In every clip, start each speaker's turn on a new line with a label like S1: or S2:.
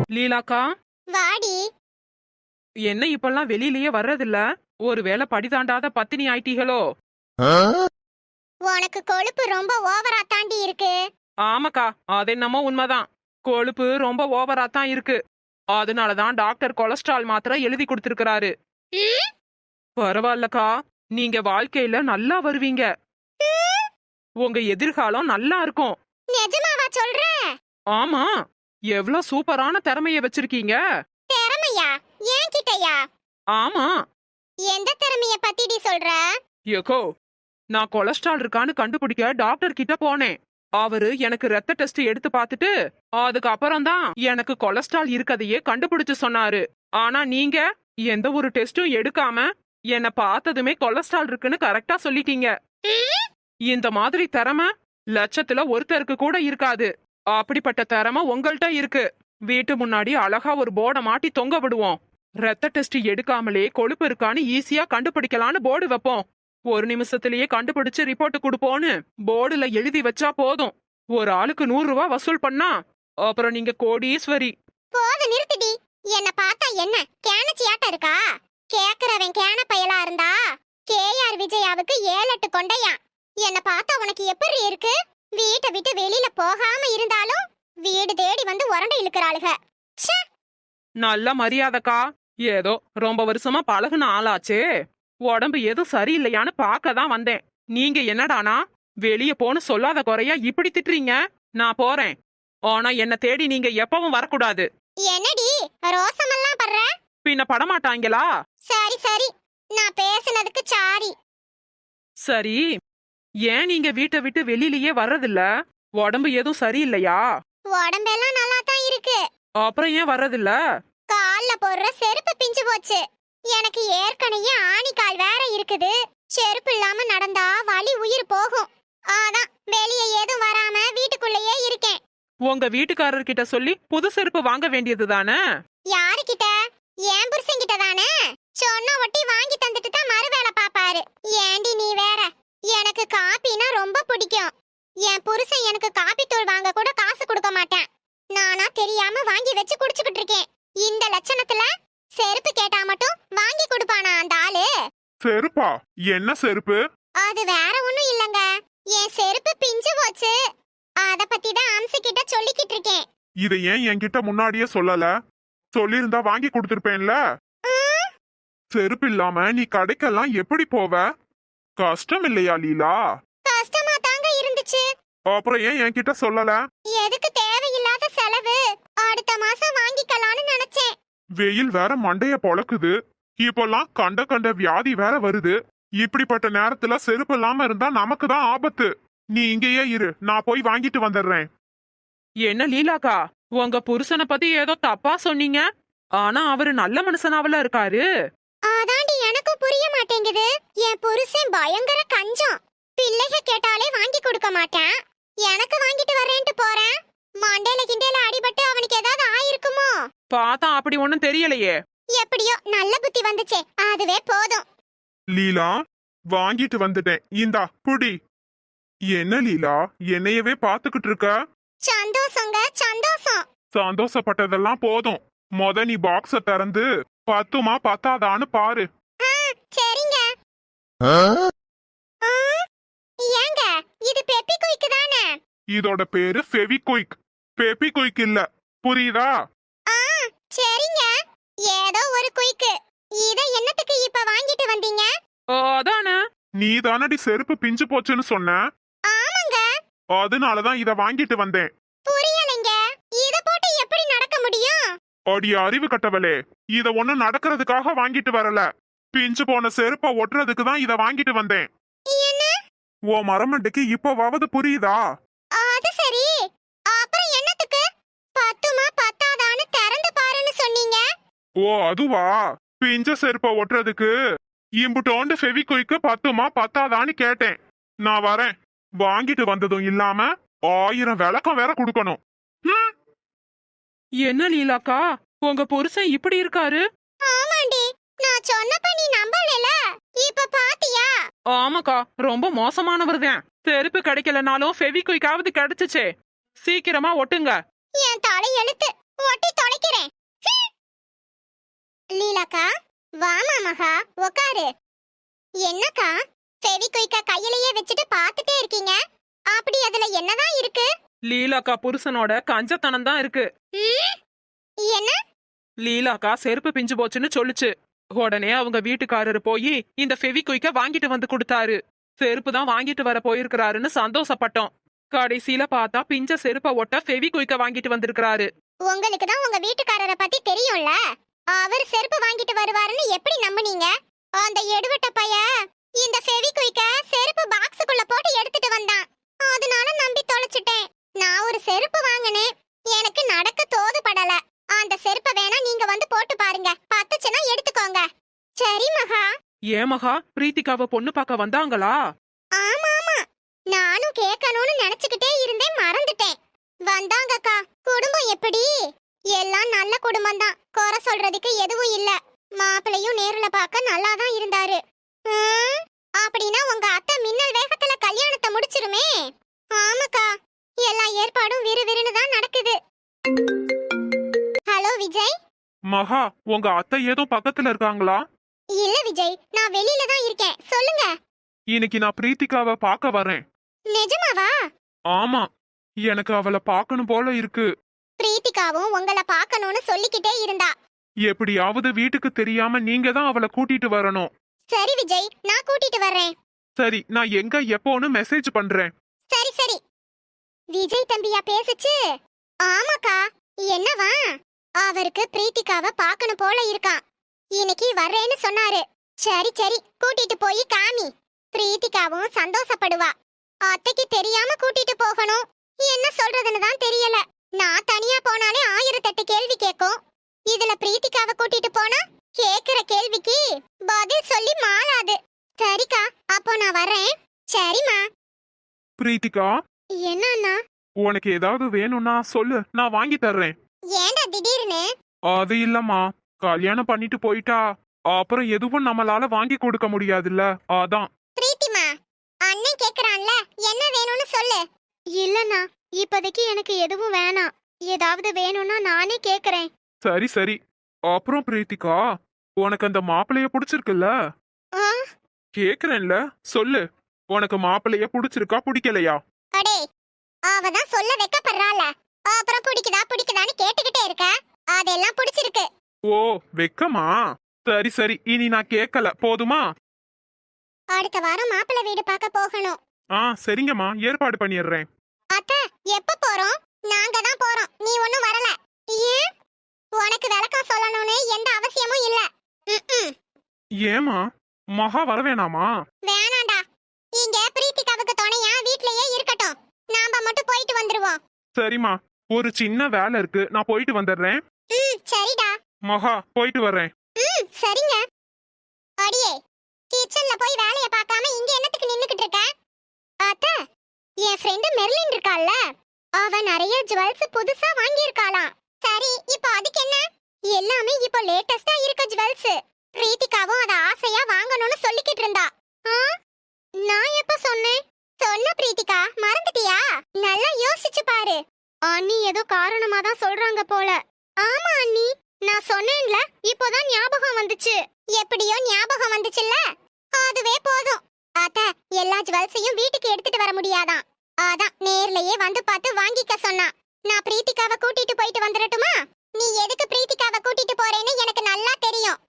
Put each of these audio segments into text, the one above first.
S1: லீலாக்கா,
S2: வாடி.
S1: என்ன இப்பெல்லாம் வெளியிலயே வர்றதில்ல? ஒருவேளை படிதாண்டாத பத்தினி ஆயிட்டீங்களோ?
S2: உனக்கு கொழுப்பு ரொம்ப ஓவரா தாண்டி இருக்கு.
S1: ஆமாக்கா, அது என்னமோ உண்மைதான். கொழுப்பு ரொம்ப ஓவரா தான் இருக்கு. அதனாலதான் டாக்டர் கொலஸ்ட்ரால் மாத்திரை எழுதி கொடுத்திருக்கிறாரு.
S2: ம்?
S1: பரவாயில்லக்கா, நீங்க வாழ்க்கையில நல்லா வருவீங்க. உங்க எதிர்காலம் நல்லா இருக்கும்.
S2: நிஜமாவா சொல்ற?
S1: ஆமா, எவ்ளோ சூப்பரான திறமைய வச்சிருக்கீங்க.
S2: திறமையா? ஏன் கிட்டயா?
S1: ஆமா.
S2: எந்த திறமைய பத்திடி சொல்ற?
S1: யக்கோ, நான் கொலஸ்ட்ரால் இருக்கான்னு கண்டுபிடிக்க டாக்டர் கிட்ட போனேன். அவரு எனக்கு ரத்த டெஸ்ட் எடுத்து பார்த்துட்டு அதுக்கப்புறம் தான் எனக்கு கொலஸ்ட்ரால் இருக்கதையே கண்டுபிடிச்சு சொன்னாரு. ஆனா நீங்க எந்த ஒரு டெஸ்டும் எடுக்காம என்ன பார்த்ததுமே கொலஸ்ட்ரால் இருக்குன்னு கரெக்டா சொல்லிட்டீங்க. இந்த மாதிரி திறமை லட்சத்துல ஒருத்தருக்கு கூட இருக்காது. அப்படிப்பட்ட திறமை உங்கள்கிட்ட இருக்கு. வீட்டு முன்னாடி அழகா ஒரு போர்டை மாட்டி தொங்க விடுவோம். ரத்த டெஸ்ட் எடுக்காமலே கொழுப்பு இருக்கான்னு ஈஸியா கண்டுபிடிக்கலான்னு போர்டு வைப்போம். ஒரு நிமிஷத்திலேயே கண்டுபிடிச்சு ரிப்போர்ட் கொடுப்போன்னு போர்டுல எழுதி வச்சா போதும். ஒரு ஆளுக்கு 100 ரூபாய் வசூல் பண்ணா அப்புறம் நீங்க கோடீஸ்வரி.
S2: போது நிறுத்திடி. என்ன பார்த்தா என்ன கேனச்சியாட்ட இருக்கா? கேக்குறவன் கேன பயலா இருந்தா கேஆர் விஜயாவுக்கு 7-8 கொண்டையா. என்ன பார்த்தா உனக்கு எப்படி இருக்கு? வீட்டை விட்டு வெளியில போகாம இருந்தாலும் வீடு தேடி வந்து உரண்டை இழுக்கிறாளுக. ச்சே.
S1: நல்ல மரியாதைக்கா. ஏதோ ரொம்ப வருஷமா பழகுன ஆளாச்சே, உடம்பு எதுவும் சரியில்லையான்னு பார்க்க தான் வந்தேன். நீங்க என்னடானா வெளிய போன்னு சொல்லாத குறையா இப்படி திட்டுறீங்க. நான் போறேன். ஆனா என்ன தேடி நீங்க எப்பவும் வரக்கூடாது.
S2: என்னடி ரோசமெல்லாம் பண்ற?
S1: பின்ன படமாட்டாங்களா?
S2: சரி சரி, நான் பேசுனதுக்கு சாரி.
S1: சரி, ஏன் நீங்க வீட்டை விட்டு வெளியிலயே வர்றதில்ல? உடம்பு எதுவும் சரியில்லையா?
S2: உடம்பெல்லாம் நல்லா தான் இருக்கு.
S1: அப்புறம் ஏன் வர்றதில்ல?
S2: கால்ல போடுற செருப்பு பிஞ்சு போச்சு. எனக்கு ஏற்கனவே ஆணிக்கால் வேற இருக்குது. செருப்பு இல்லாம நடந்தா வலி உயிர் போகும். அதான் வெளியே ஏதும் வராம வீட்டுக்குள்ளேயே இருக்கேன்.
S1: உங்க வீட்டுக்காரர்கிட்ட சொல்லி புது செருப்பு வாங்க வேண்டியது தானே?
S2: யாருகிட்ட? என் புருஷன்கிட்ட தானே. சொன்ன ஒட்டி வாங்கி தந்துட்டு தான் மறு வேலை பாப்பாரு. ஏண்டி நீ வேற. எனக்கு காப்பினா ரொம்ப பிடிக்கும். என் புருஷன் எனக்கு காப்பி தூள் வாங்க கூட காசு கொடுக்க மாட்டேன். நானா தெரியாம வாங்கி வச்சு குடிச்சுக்கிட்டு இருக்கேன். இந்த லட்சணத்துல செருப்பு கேட்டா மட்டும் வாங்கி கொடுப்பானா அந்த ஆளு?
S3: செருப்பா? என்ன செருப்பு?
S2: அது வேற ஒண்ணும் இல்லங்க. என் செருப்பு பிஞ்சு போச்சு. அத பத்தி தான் அம்சு கிட்ட சொல்லிக்கிட்டு இருக்கேன்.
S3: இதை ஏன் என்கிட்ட முன்னாடியே சொல்லல? சொல்லிருந்தா வாங்கி கொடுத்திருப்பேன்ல. செருப்பு இல்லாம நீ கடைக்கெல்லாம் எப்படி போவ? கஷ்டம் இல்லையா லீலா?
S2: கஷ்டமா தாங்க இருந்துச்சு.
S3: அப்புறம் ஏன் என்கிட்ட சொல்லல?
S2: எதுக்கு தேவையில்லாத செலவு? அடுத்த மாசம் வாங்கிக்கலாம்னு நினைச்சேன்.
S3: வெயில் வேற மண்டைய பொளக்குது. இப்பெல்லாம் கண்ட கண்ட வியாதி வேற வருது. இப்படிப்பட்ட நேரத்துல செருப்பு இல்லாம இருந்தா நமக்கு தான் ஆபத்து. நீ இங்கேயே இரு, நான் போய் வாங்கிட்டு வந்துடுறேன்.
S1: என்ன லீலாக்கா, உங்க புருஷனை பத்தி ஏதோ தப்பா சொன்னீங்க. ஆனா அவரு நல்ல மனுஷனாவில இருக்காரு.
S2: அதாண்டி எனக்கும் புரிய மாட்டேங்குது. என் புருஷன் பயங்கர கஞ்சம். பிள்ளைக கேட்டாலே வாங்கி கொடுக்க மாட்டேன். எனக்கு வாங்கிட்டு வரேன்ட்டு போறேன். மண்டையில கிண்டையில அடிபட்டு அவனுக்கு ஏதாவது ஆயிருக்குமோ?
S1: பார்த்தா அப்படி ஒண்ணும் தெரியலையே.
S2: எப்படியோ நல்ல புத்தி வந்துச்சே, அதுவே போதும்.
S3: லீலா, வாங்கிட்டு வந்துட்டேன். இந்தா புடி. என்ன லீலா, என்னையவே பாத்துக்கிட்டு இருக்க?
S2: சந்தோஷங்க சந்தோஷம்.
S3: சந்தோஷப்பட்டதெல்லாம் போதும். நீ பாக்ஸ திறந்து பத்துமா பத்தாதான்னு பாரு.
S2: சரிங்க. ஏங்க, இது பெப்பி குயிக் தானே?
S3: இதோட பேரு ஃபெவிகுயிக். பெப்பி குயிக் இல்ல, புரியுதா?
S2: சரிங்க. ஏதோ ஒரு குயிக். இத என்னத்துக்கு இப்ப வாங்கிட்டு வந்தீங்க?
S1: அதானே.
S3: நீ தானடி செருப்பு பிஞ்சு போச்சுன்னு சொன்ன.
S2: ஆமாங்க.
S3: அதனாலதான் இத வாங்கிட்டு வந்தேன்.
S2: புரியலைங்க. இத போட்டு எப்படி நடக்க முடியும்?
S3: அடி அறிவு கட்டவளே, இத ஒண்ணு நடக்கிறதுக்காக வாங்கிட்டு வரல. பிஞ்சு போன செருப்ப ஒட்டுறதுக்கு தான் இத வாங்கிட்டு வந்தேன்.
S2: என்ன?
S3: ஓ மரமண்டைக்கு இப்பவாவது புரியுதா?
S2: அது சரி. அப்புறம் என்னத்துக்கு பத்துமா பத்தாதான்னு திறந்து பாருன்னு சொன்னீங்க?
S3: ஓ அதுவா? பிஞ்ச செருப்ப ஒட்டுறதுக்கு இம்புட்டோண்டு ஃபெவிகுயிக்கு பத்துமா பத்தாதான்னு கேட்டேன். நான் வரேன். வாங்கிட்டு வந்ததும் இல்லாம 1000 விளக்கம் வேற கொடுக்கணும்.
S1: என்ன லீலாக்கா, உங்க புருஷன் இப்படி இருக்காரு?
S2: ஆமாண்டி, நான் சொன்னப்ப நீ நம்பலல. இப்ப பாத்தியா?
S1: ஆமாக்கா, ரொம்ப மோசமானவர் தான். செருப்பு கிடைக்கலனாலும் ஃபெவிகுயிக்காவது கிடைச்சுச்சே. சீக்கிரமா ஒட்டுங்க.
S2: என் தலை எழுத்து. ஒட்டி தொலைக்கிறேன். லீலாக்கா, வாமா மகா, உக்காரு. என்னக்கா, ஃபெவிக்விக்க கையிலேயே வச்சுட்டு பார்த்துட்டே இருக்கீங்க? அப்படி அதுல என்னதான் இருக்கு?
S1: லீலாக்கா புருஷனோட கஞ்சத்தனம் தான் இருக்கு.
S2: ம்? என்ன?
S1: லீலாக்கா செருப்பு பிஞ்சு போச்சுன்னு சொல்லுச்சு. உடனே அவங்க வீட்டுக்காரரு போய் இந்த ஃபெவிக்விக்க வாங்கிட்டு வந்து கொடுத்தாரு. செருப்பு தான் வாங்கிட்டு வர போயிருக்கிறாருன்னு சந்தோஷப்பட்டோம். கடைசியில பார்த்தா பிஞ்ச செருப்ப ஒட்ட ஃபெவிக்விக்க வாங்கிட்டு வந்திருக்கிறாரு.
S2: உங்களுக்கு தான் உங்க வீட்டுக்காரரை பத்தி தெரியும்ல. அவர் செருப்பு வாங்கிட்டு வருவாருன்னு எப்படி நம்புனீங்க? அந்த எடுவட்ட பைய இந்த ஃபெவிக்விக்க செருப்பு பாக்ஸுக்குள்ள போட்டு எடுத்துட்டு வந்தான். அதனால நம்பி தொலைச்சிட்டேன். நான் ஒரு செருப்பு வாங்கினேன். எனக்கு நடக்க தோது படல. அந்த செருப்பை வேணா நீங்க வந்து போட்டு பாருங்க. பத்துச்சுன்னா எடுத்துக்கோங்க. சரி மகா.
S1: ஏன் மகா, பிரீத்திகாவை பொண்ணு பார்க்க வந்தாங்களா?
S2: ஆமா ஆமா, நானும் கேட்கணும்னு நினைச்சுக்கிட்டே இருந்தேன், மறந்துட்டேன். வந்தாங்கக்கா. குடும்பம் எப்படி? எல்லாம் நல்ல குடும்பம் தான், குறை சொல்றதுக்கு எதுவும் இல்ல. மாப்பிளையும் நேர்ல பார்க்க நல்லா தான் இருந்தாரு. அப்படின்னா உங்க அத்தை மின்னல் வேகத்துல கல்யாணத்தை முடிச்சிருமே. ஆமாக்கா, எல்லா ஏற்பாடும் விறுவிறுன்னு தான் நடக்குது. ஹலோ விஜய்.
S3: மகா, உங்க அத்தை ஏதோ பக்கத்துல இருக்காங்களா?
S2: இல்ல விஜய், நான் வெளியில தான் இருக்கேன். சொல்லுங்க.
S3: இன்னைக்கு நான் பிரீத்திகாவை பார்க்க வரேன்.
S2: நிஜமாவா?
S3: ஆமா, எனக்கு அவளை பார்க்கணும் போல இருக்கு.
S2: பிரீத்திகாவும் உங்களை பார்க்கணும்னு சொல்லிக்கிட்டே இருந்தா.
S3: எப்படியாவது வீட்டுக்கு தெரியாம நீங்க தான் அவளை கூட்டிட்டு வரணும்.
S2: சரி விஜய், நான் கூட்டிட்டு வர்றேன்.
S3: சரி, நான் எங்க எப்போன்னு மெசேஜ் பண்றேன்.
S2: சரி சரி. விஜய் தம்பியா பேசுச்சு? ஆமாக்கா. என்னவா? அவருக்கு பிரீத்திகாவை பார்க்கணும் போல இருக்கான். இன்னைக்கு வர்றேன்னு சொன்னாரு. சரி சரி, கூட்டிட்டு போய் காமி. பிரீத்திகாவும் சந்தோஷப்படுவா. அத்தைக்கு தெரியாம கூட்டிட்டு போகணும். என்ன சொல்றதுன்னு தான் தெரியல. நான் தனியா போனாலே 1008 கேள்வி கேட்கும். இதுல பிரீத்திகாவை கூட்டிட்டு போனா கேக்குற கேள்விக்கு பதில் சொல்லி மாளாது. சரிக்கா, அப்போ நான் வரேன். சரிம்மா.
S3: பிரீத்திகா,
S2: என்ன அண்ணா?
S3: உனக்கு ஏதாவது வேணும்னா சொல்லு, நான் வாங்கி தர்றேன்.
S2: ஏண்டா திடீர்னு?
S3: அது இல்லம்மா, கல்யாணம் பண்ணிட்டு போயிட்டா அப்புறம் எதுவும் நம்மளால வாங்கி கொடுக்க முடியாதுல்ல, அதான்.
S2: பிரீத்திமா, அண்ணன் கேக்குறான்ல, என்ன வேணும்னு சொல்லு. இல்லண்ணா, இப்போதைக்கு எனக்கு எதுவும் வேணாம். ஏதாவது வேணும்னா நானே கேக்குறேன்.
S3: சரி சரி. அப்புறம் பிரீத்திகா, உனக்கு அந்த மாப்பிளைய பிடிச்சிருக்குல்ல?
S2: ஆ?
S3: கேக்குறேன்ல, சொல்லு. உனக்கு மாப்பிளைய பிடிச்சிருக்கா பிடிக்கலையா?
S2: அடே, அவ தான் சொல்ல வெக்கப்படுறாள. அப்புறம் பிடிக்குதான்னு கேட்டுக்கிட்டே இருக்க. அதெல்லாம் பிடிச்சிருக்கு.
S3: ஓ, வெக்கமா? சரி சரி, இனி நான் கேட்கல, போதுமா?
S2: அடுத்த வாரம் மாப்பிள்ளை வீடு பார்க்க போகணும்.
S3: சரிங்கம்மா, ஏற்பாடு பண்ணிடுறேன்.
S2: அத்தை, எப்ப போறோம்? நாங்க தான் போறோம், நீ ஒண்ணும் வரல. ஏன்? உனக்கு விளக்கம் சொல்லணும்னு எந்த அவசியமும் இல்ல.
S3: ஏமா, மகா வரவேணாமா?
S2: வேணாண்டா. இங்க பிரீத்திகாவுக்கு துணையா வீட்லயே இருக்கட்டும். நாம மட்டும் போயிட்டு வந்துருவோம்.
S3: சரிம்மா, ஒரு சின்ன வேலை இருக்கு, நான் போயிட்டு வந்துடுறேன்.
S2: சரிடா.
S3: மகா, போயிட்டு வர்றேன்.
S2: சரிங்க. அடியே, கிச்சன்ல போய் வேலைய பார்க்காம இங்க என்னத்துக்கு நின்னுக்கிட்டு இருக்க? அத்தை, என் ஃப்ரெண்ட் மெர்லின் இருக்கால்ல, அவ நிறைய ஜுவல்ஸ் புதுசா வாங்கி இருக்காளாம். சரி, இப்போ அதுக்கு என்ன? எல்லாமே இப்போ லேட்டஸ்டா இருக்க ஜுவல்ஸ். பிரீத்திகாவும் அத ஆசையா வாங்கணும்னு சொல்லிக்கிட்டு இருந்தா. நான் எப்ப சொன்னேன்? சொன்ன பிரீத்திகா, மறந்துட்டியா? நல்லா யோசிச்சு பாரு. அண்ணி ஏதோ காரணமா தான் சொல்றாங்க போல. ஆமா அண்ணி, நான் சொன்னேன்ல, இப்போதான் ஞாபகம் வந்துச்சு. எப்படியோ ஞாபகம் வந்துச்சுல்ல, அதுவே போதும். அத்த, எல்லா ஜுவல்ஸையும் வீட்டுக்கு எடுத்துட்டு வர முடியாதான். அதான் நேர்லயே வந்து பார்த்து வாங்கிக்க சொன்னா. நான் பிரீத்திகாவை கூட்டிட்டு போயிட்டு வந்துடட்டுமா? நீ எதுக்கு பிரீத்திகாவை கூட்டிட்டு போறேன்னு எனக்கு நல்லா தெரியும்.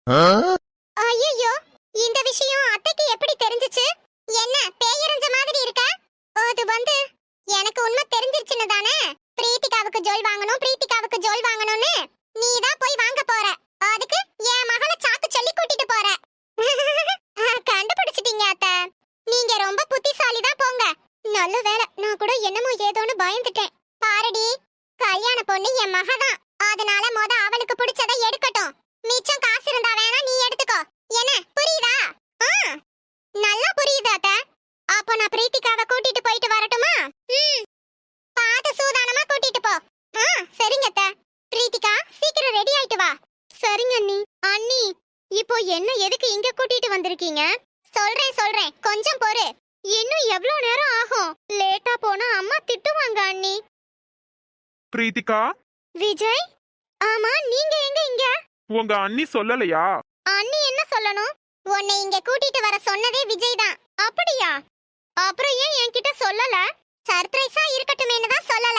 S2: ஐயோ, இந்த விஷயம் அத்தைக்கு எப்படி தெரிஞ்சுச்சு? என்ன பேயறிஞ்ச மாதிரி இருக்க? அது வந்து எனக்கு உண்மை தெரிஞ்சிருச்சுன்னு தானே. பிரீத்திகாவுக்கு ஜுவல் வாங்கணும், பிரீத்திகாவுக்கு ஜுவல் வாங்கணும்னு நீ தான் போய் வாங்க போற. அதுக்கு என் மகளை சாக்கு சொல்லி கூட்டிட்டு போற. கண்டுபிடிச்சிட்டீங்க அத்தை. நீங்க ரொம்ப புத்திசாலி தான் போங்க. நல்ல வேளை, நான் கூட என்னமோ ஏதோன்னு பயந்துட்டேன். பாருடி, கல்யாண பொண்ணு என் மகதான். அதனால அவளுக்கு பிடிச்சதை எடுக்கட்டும். மிச்சம் காசு இருந்தா வேணா நீ எடுத்துக்கோ. என்ன புரியுதா? நல்லா புரியுது அத்தை. அப்போ நான் பிரீத்திகாவை கூட்டிட்டு போயிட்டு வரட்டுமா? பாத்து சூதானமா கூட்டிட்டு போ. சரிங்க அத்தை. பிரீத்திகா, சீக்கிரம் ரெடி ஆயிட்டு வா. சரிங்க அண்ணி. அண்ணி, இப்போ என்ன எதுக்கு இங்க கூட்டிட்டு வந்திருக்கீங்க? சொல்றேன், கொஞ்சம் பொறு. இன்னும் எவ்வளவு நேரம் ஆகும்? லேட்டா போனா அம்மா திட்டுவாங்க அண்ணி.
S3: பிரீத்திகா,
S2: விஜய், ஆமா நீங்க எங்க இங்க?
S3: உங்க அண்ணி சொல்லலையா?
S2: அண்ணி என்ன சொல்லணும்? உன்னை இங்க கூட்டிட்டு வர சொன்னதே விஜய் தான். அப்படியா? அப்புறம் ஏன் என்கிட்ட சொல்லல? சர்ப்ரைஸா இருக்கட்டுமேனு தான் சொல்லல.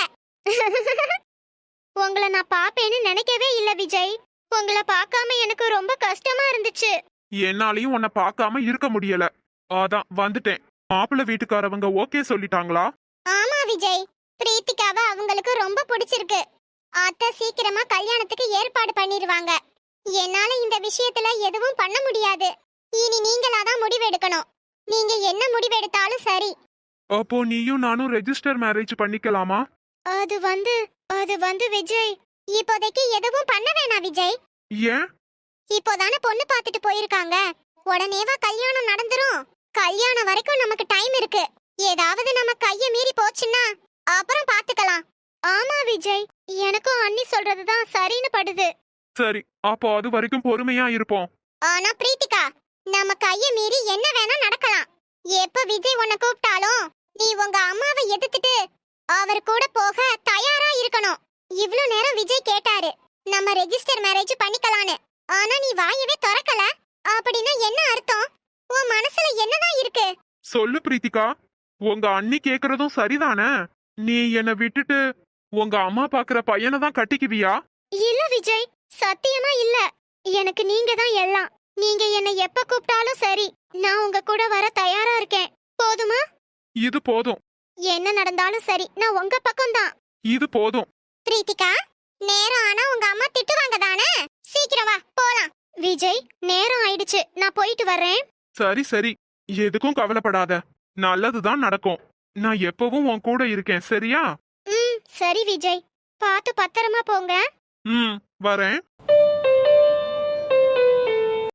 S2: உங்களை நான் பாப்பேன்னு நினைக்கவே இல்ல விஜய். உங்களை பார்க்காம எனக்கு ரொம்ப கஷ்டமா இருந்துச்சு.
S3: என்னாலையும் உன்னை பார்க்காம இருக்க முடியல. அதான் வந்துட்டேன். மாப்பிள்ளை வீட்டுக்காரவங்க ஓகே சொல்லிட்டாங்களா?
S2: ஆமா விஜய், பிரீத்திகாவை அவங்களுக்கு ரொம்ப பிடிச்சிருக்கு. அத்தை சீக்கிரமா கல்யாணத்துக்கு ஏற்பாடு பண்ணிருவாங்க. என்னால இந்த விஷயத்துல எதுவும் பண்ண முடியாது. இனி நீங்களாதான் முடிவெடுக்கணும். நீங்க என்ன முடிவெடுத்தாலும் சரி.
S3: அப்போ நீயும் நானும் ரெஜிஸ்டர் மேரேஜ் பண்ணிக்கலாமா?
S2: அது வந்து விஜய், இப்போதைக்கு எதுவும் பண்ண வேணாம் விஜய்.
S3: ஏன்?
S2: இப்போதானே பொண்ணு பார்த்துட்டு போயிருக்காங்க. உடனேவா கல்யாணம் நடந்துரும்? கல்யாணம் வரைக்கும் நமக்கு டைம் இருக்கு. ஏதாவது நம்ம கைய மீறி போச்சுன்னா அப்புறம் பாத்துக்கலாம். ஆமா விஜய், எனக்கும் அண்ணி சொல்றதுதான் சரின்னு படுது.
S3: சரி, அப்போ அது வரைக்கும் பொறுமையா இருப்போம்.
S2: ஆனா பிரீத்திகா, நம்ம கைய மீறி என்ன வேணா நடக்கலாம். எப்ப விஜய் உன்னை கூப்பிட்டாலும் நீ உங்க அம்மாவை எதிர்த்துட்டு அவர் கூட போக தயாரா இருக்கணும். இவ்ளோ நேரம் விஜய் கேட்டாரு நம்ம ரெஜிஸ்டர் மேரேஜ் பண்ணிக்கலான்னு. ஆனா நீ வாயவே திறக்கல. அப்படின்னா என்ன அர்த்தம்? உன் மனசுல என்னதான் இருக்கு?
S3: சொல்லு பிரீத்திகா, உங்க அண்ணி கேக்குறதும் சரிதானே? நீ என்னை விட்டுட்டு உங்க அம்மா பாக்குற பையனை தான் கட்டிக்குவியா?
S2: இல்ல விஜய், சத்தியமா இல்ல. எனக்கு நீங்க தான் எல்லாம். நீங்க என்ன எப்ப கூப்பிட்டாலும் சரி, நான் உங்க கூட வர தயாரா இருக்கேன். போதுமா?
S3: இது போதும்.
S2: என்ன நடந்தாலும் சரி, நான் உங்க பக்கம் தான்.
S3: இது போதும்.
S2: பிரீத்திகா, நேரம் ஆனா உங்க அம்மா திட்டுவாங்க தானே? சீக்கிரம் வா போலாம். விஜய், நேரம் ஆயிடுச்சு, நான் போயிட்டு வரேன்.
S3: சரி சரி, எதுக்கும் கவலைப்படாத. நல்லதுதான் நடக்கும். நான் எப்பவும் உன் கூட இருக்கேன், சரியா?
S2: சரி விஜய், பார்த்து பத்திரமா போங்க.
S3: வரேன்.